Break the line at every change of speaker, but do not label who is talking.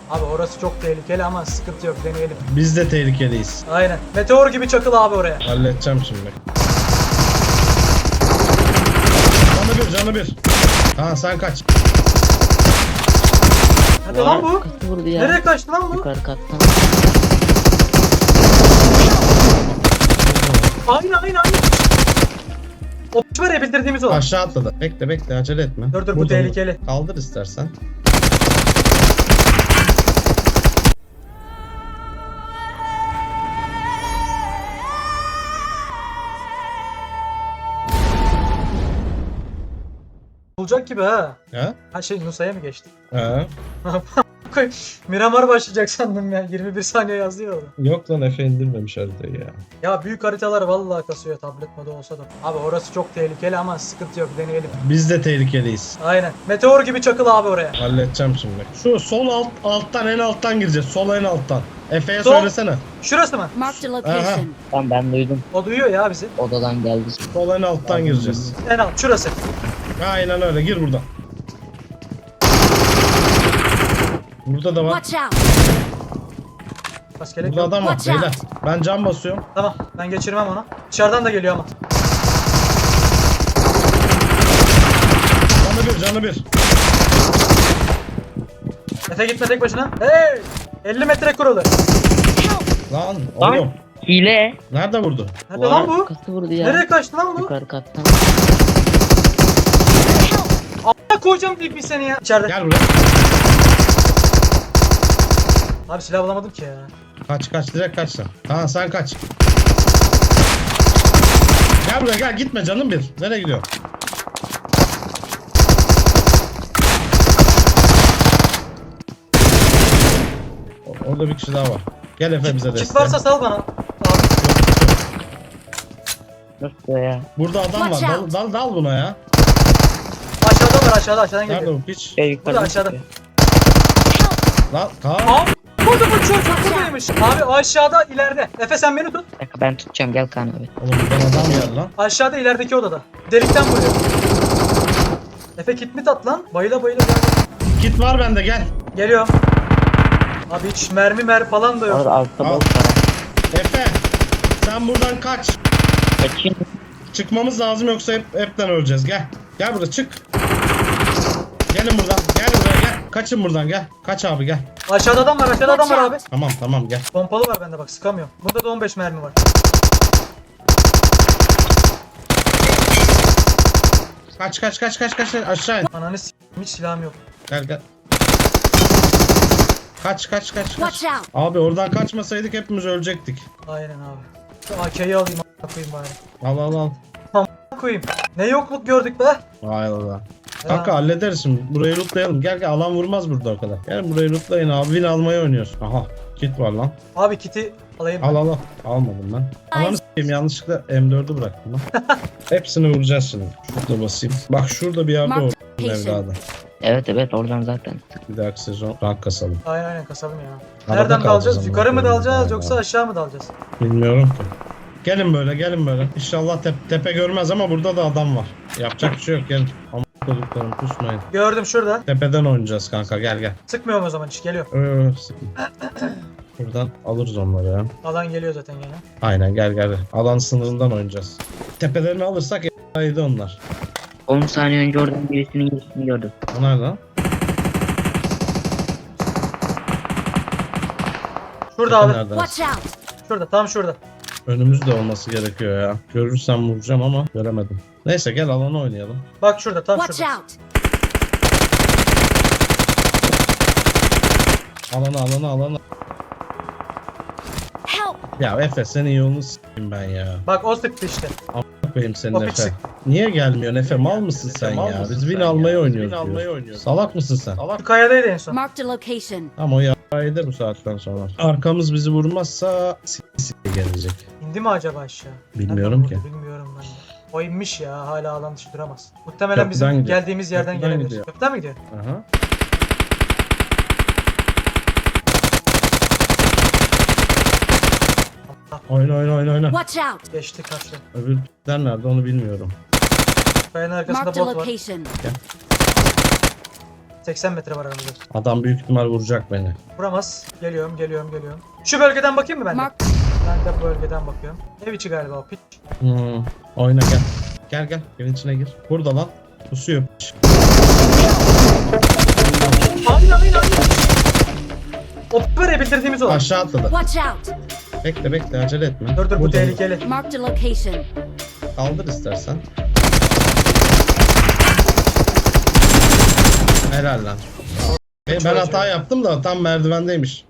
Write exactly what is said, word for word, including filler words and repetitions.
Abi orası çok tehlikeli ama sıkıntı yok, deneyelim.
Biz de tehlikeliyiz.
Aynen. Meteor gibi çakıl abi oraya.
Halledeceğim şimdi. Canı bir, canı bir. Ha sen kaç.
Hadi lan bu.
Kaçtı vurdu ya.
Nereye kaçtı lan bu?
Yukarı kattan.
Aynı aynı aynı. O p- var ya, bitirdiğimiz o.
Aşağı atladı. Bekle bekle, acele etme.
Dur dur, bu
Burada
tehlikeli.
kaldır istersen.
Bulacak gibi ha.
Ha?
Ha şey, Nusa'ya mı geçti?
Ha?
Koy, Miramar başlayacak sandım ya. yirmi bir saniye yazdı ya orada.
Yok lan, Efe indirmemiş haritayı ya.
Ya büyük haritalar vallahi kasıyor, tablet modu olsa da. Abi orası çok tehlikeli ama sıkıntı yok, deneyelim.
Biz de tehlikeliyiz.
Aynen. Meteor gibi çakıl abi oraya.
Halledeceğim şimdi. Şu sol alt alttan, en alttan gireceğiz. Sol en alttan. Efe'ye
Sol.
söylesene.
Şurası mı?
Marked a location.
Tamam ben duydum.
O duyuyor ya bizi.
Odadan geldi.
Sol en alttan gireceğiz.
En alt şurası.
Aynen öyle, gir buradan. Burada da var.
Watch out.
Bas gerek
Burada
yok.
adam var
Watch out.
beyler. Ben cam basıyorum.
Tamam, ben geçirmem onu. Dışarıdan da geliyor ama.
Canı bir, canı bir.
Efe gitme tek başına. Hey! elli metre kurulu.
Lan
Lan.
oğlum.
Hile.
Nerede vurdu?
Nerede lan bu?
Kaçtı vurdu ya.
Nereye kaçtı lan bu?
Yukarı kattan.
A**a koyacağım deyip bir seni ya. İçeride.
Gel buraya.
Abi silah bulamadım ki ya.
Kaç kaç, direkt kaç sen. Ha sen kaç. Gel buraya, gel, gitme canım bir. Nereye gidiyor? O- Orada bir kişi daha var. Gel Efe bize
Çift
destek.
varsa sal bana. Abi.
Nasıl ya?
Burada adam var.
Watch
Dal,
out.
dal, dal buna ya.
Aşağıda var, aşağıda aşağıdan
Nerede
geliyor.
bu piç?
Şey yukarı.
Burada aşağıda.
Lan Kaan.
Abi burada bu çocuk buradaymış. Abi aşağıda ileride. Efe sen beni tut.
Bir dakika ben tutacağım gel Kaan abi.
Oğlum buradan adam geldi lan.
Aşağıda ilerideki odada. Delikten vuruyor. Efe kit mi tat lan? Bayıla bayıla gel.
Kit var bende, gel.
Geliyorum. Abi hiç mermi mer falan da yok.
Orada altta
Al.
bol para.
Efe sen buradan kaç.
Kaçayım.
Çıkmamız lazım, yoksa hep hepten öleceğiz. Gel. Gel burada, çık. Gelin buradan. Gel buraya gel. Kaçın buradan, gel. Kaç abi, gel.
Aşağıda adam var, aşağıda adam var abi.
Tamam tamam, gel.
Pompalı var bende, bak sıkamıyorum. Bunda da on beş mermi var.
Kaç kaç kaç kaç kaç aşağı in.
Ananı s***, hiç silahım yok.
Gel gel. Kaç kaç kaç
Watch
kaç.
out.
Abi oradan kaçmasaydık hepimiz ölecektik.
Aynen abi. Şu A K'yi alayım, a**a koyayım bari.
Al al al.
A**a koyayım. Ne yokluk gördük be.
Vay Allah.
Ya.
Kanka hallederiz şimdi. Burayı lootlayalım. Gel gel, alan vurmaz burada o kadar. Gel burayı lootlayın abi. Win almayı oynuyoruz. Aha. Kit var lan.
Abi kiti alayım.
Al al al. Almadım ben. Ananı s**eyim, yanlışlıkla M dördü bıraktım lan. Hepsini vuracağız şimdi. Şurada basayım. Bak şurada bir yerde
Mark
o evladı.
Evet evet oradan zaten.
Bir dahaki sezon rank kasalım.
Aynen aynen, kasalım ya.
Arada
Nereden
kalacağız
dalacağız?
ama.
Yukarı mı dalacağız
Vay
yoksa
vay.
aşağı mı dalacağız?
Bilmiyorum ki. Gelin böyle, gelin böyle. İnşallah tep tepe görmez ama burada da adam var. Yapacak bir şey yok, gelin. Ama koduklarım kusmayın.
Gördüm şurada.
Tepeden oynayacağız kanka, gel gel.
Sıkmıyorum o zaman, hiç geliyor.
Öö, sıkma. Buradan alırız onları ya.
Alan geliyor zaten gene.
Aynen, gel gel. Alan sınırından oynayacağız. Tepelerini alırsak yedi onlar.
on saniye önce oradan birisinin girişini gördüm.
O nerede lan?
Şurada
Tepe
abi.
nerede?
Watch out.
Şurada, tam şurada.
Önümüzde olması gerekiyor ya. Görürsem vuracağım ama göremedim. Neyse gel, alana oynayalım.
Bak şurada, tam
Watch
şurada.
out.
Alana alana alana.
Help.
Ya Efe, senin yolunu s**eyim ben ya.
Bak o sıktı işte.
Benim senin
O
Efe.
piçik.
Niye gelmiyorsun Efe? Mal mısın sen
mal
ya?
mısın
Biz
sen
win
ya?
almayı
Biz
oynuyoruz.
win almayı
diyor.
oynuyoruz.
Salak mısın sen?
Şu kayadaydı en son.
Marked a location.
Ama o yaraydı bu saatten sonra. Arkamız bizi vurmazsa s*** gelecek.
İndi mi acaba aşağı?
Bilmiyorum
Nereden
ki.
vurdu Bilmiyorum ben de. O inmiş ya, hala alan dışı duramaz. Muhtemelen bizim
Köprüden gidiyor.
geldiğimiz yerden
Köprüden
gelebilir.
gidiyor.
Köprüden mi gidiyor?
Aha. Oyna oyna oyna oyna.
Watch out.
Geçti karşı.
Öbürler nerede onu bilmiyorum.
Kayanın arkasında
Marked a
bot var.
location.
seksen metre var aramızda.
Adam büyük ihtimal vuracak beni.
Vuramaz. Geliyorum, geliyorum, geliyorum. Şu bölgeden bakayım mı ben de?
Mark.
Ben de bu bölgeden bakıyorum. Ev içi galiba o piç.
Hmm. Oyna gel. Gel gel. Evin içine gir. Burada lan. Pusuyor. Piç.
Aynen aynen aynen. O böyle bildirdiğimiz olan.
Aşağı atladı.
Watch out.
Bekle bekle acele etme.
Dur dur bu
Burada.
tehlikeli.
Marked a location.
Kaldır istersen. Helal lan. E, ben hata yaptım da tam merdivendeymiş.